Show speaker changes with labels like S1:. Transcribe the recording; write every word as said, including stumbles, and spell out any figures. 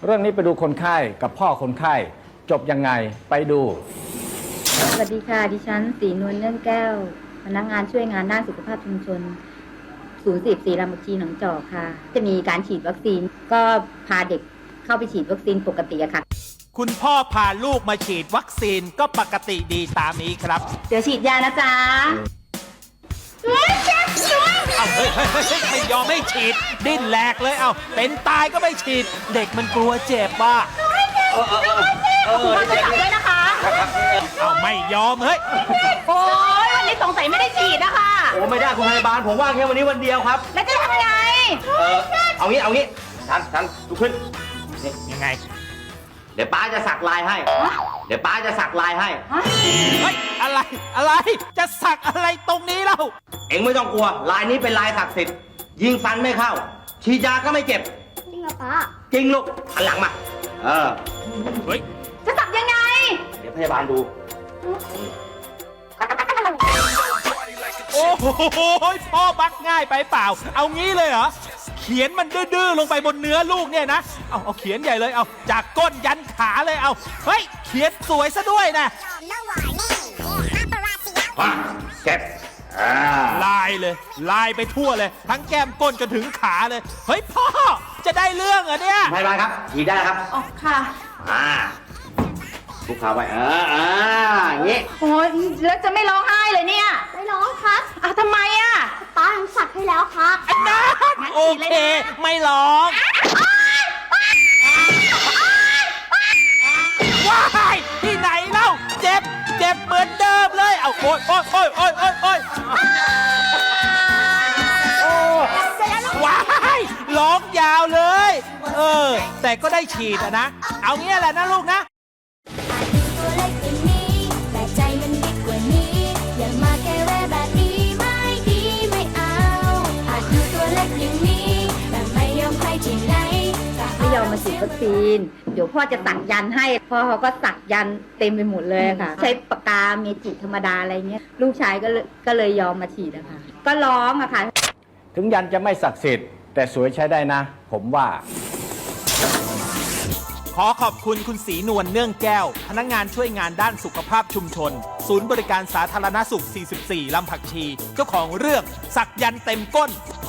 S1: เรื่องนี้ไปดูคนไข้กับพ่อคนไข้จบยังไงไปดู
S2: สวัสดีค่ะดิฉันศรีนวลเนื่องแก้วพนักงานช่วยงานด้านสุขภาพชุมชนศูนย์สิบสี่ลำบักชีหนองจอกค่ะจะมีการฉีดวัคซีนก็พาเด็กเข้าไปฉีดวัคซีนปกติอะค่ะ
S3: คุณพ่อพาลูกมาฉีดวัคซีนก็ปกติดีตามนี้ครับ
S2: เดี๋ยวฉีดยานะจ๊ะ
S3: เอาเฮ้ยเฮ้ยเฮ้ยไม่ยอมไม่ฉีดดิ้นแหลกเลยเอาเป็นตายก็ไม่ฉีด เด็กมันกลัวเจ็บว่ะ
S2: คุณพ่อจะจับด้วยนะคะ
S3: เอาไม่ยอมเฮ้ย
S2: โอ้ยวันนี้สงสัยไม่ได้ฉีดนะคะ
S4: โอ้ไม่ได้คุณพยาบาลผมว่างแค่วันนี้วันเดียวครับ
S2: แล้วจะทำไง
S4: เออเอางี้เอางี้ทันทันลุกขึ้นนี่
S3: ยังไง
S4: เดี๋ยวป้าจะสักลายให้ เดี๋ยวป้าจะสักลายให้
S3: เฮ้ยอะไรอะไรจะสักอะไรตรงนี้เล่า
S4: เอ็งไม่ต้องกลัวลายนี้เป็นลายศักดิ์สิทธิ์ยิงฟันไม่เข้า ฉีดยาก็ไม่เจ็บ
S2: จริงเหรอป้า
S4: จริงลูกหันหลังมา เออ
S3: เฮ้ย
S2: จะสักยังไง
S4: เดี๋ยวพยาบาลดู
S3: โอ้โหพ่อบักง่ายไปเปล่า เอางี้เลยเหรอเขียนมันดื้อๆลงไปบนเนื้อลูกเนี่ยนะเอาเอาเขียนใหญ่เลยเอาจากก้นยันขาเลยเอาเฮ้ยเขียนสวยซะด้วยนะ
S4: เจ็บอ่า
S3: ลายเลยลายไปทั่วเลย ทั้งแก้มก้นจนถึงขาเลย เฮ้ยพ่อจะได้เรื่องเหรอเนี่ย
S4: พยาบาลครับ ฉีดได้แล้วครับ
S2: อ๋อค่ะ
S4: อ่าลูกค้าไว้เอออ่าอย่างงี้
S2: โอ้ยแล้วจะไม่ร้องไห้เลยเนี่ย ไม่ร้องครับอ้าวทำไมอ่ะป้าทำสักให้แล้วครับ
S3: อันนั้นโอเค ไม่ร้องว้ายที่ไหนเล่าเจ็บเจ็บเหมือนเดิมเลยเอาโอ๊ยโอ๊ยโอ๊ยโอ๊ยโอ๊ยโอ๊ยโอ้ว้ายร้องยาวเลย เออ แต่ก็ได้ฉีดอะนะ เอางี้แหละนะลูกนะ
S5: ตัวเล็กอย่างนี้แต่ใจมันบิ๊กกว่านี้ อย่ามาแกแวะแบบนี้ไม่ดีไม่เอาอาจดูตัวเล็กอย่างนี้แต่ไม่ยอมใครที่ไหน
S2: ไม่ยอมมาฉีดวัคซีน เดี๋ยวพ่อจะสักยันต์ให้ พ่อเขาก็สักยันต์เต็มไปหมดเลยค่ะ ใช้ปากกาเมจิกธรรมดาอะไรเงี้ย ลูกชายก็เลยก็เลยยอมมาฉีดอะค่ะ ก็ร้องอะค่ะ
S1: ถึงยันจะไม่ศักดิ์สิทธิ์แต่สวยใช้ได้นะ ผมว่า
S3: ขอขอบคุณคุณศรีนวลเนื่องแก้ว พนักงานช่วยงานด้านสุขภาพชุมชน ศูนย์บริการสาธารณสุข สี่สิบสี่ ลำผักชี เจ้าของเรื่องสักยันต์เต็มก้น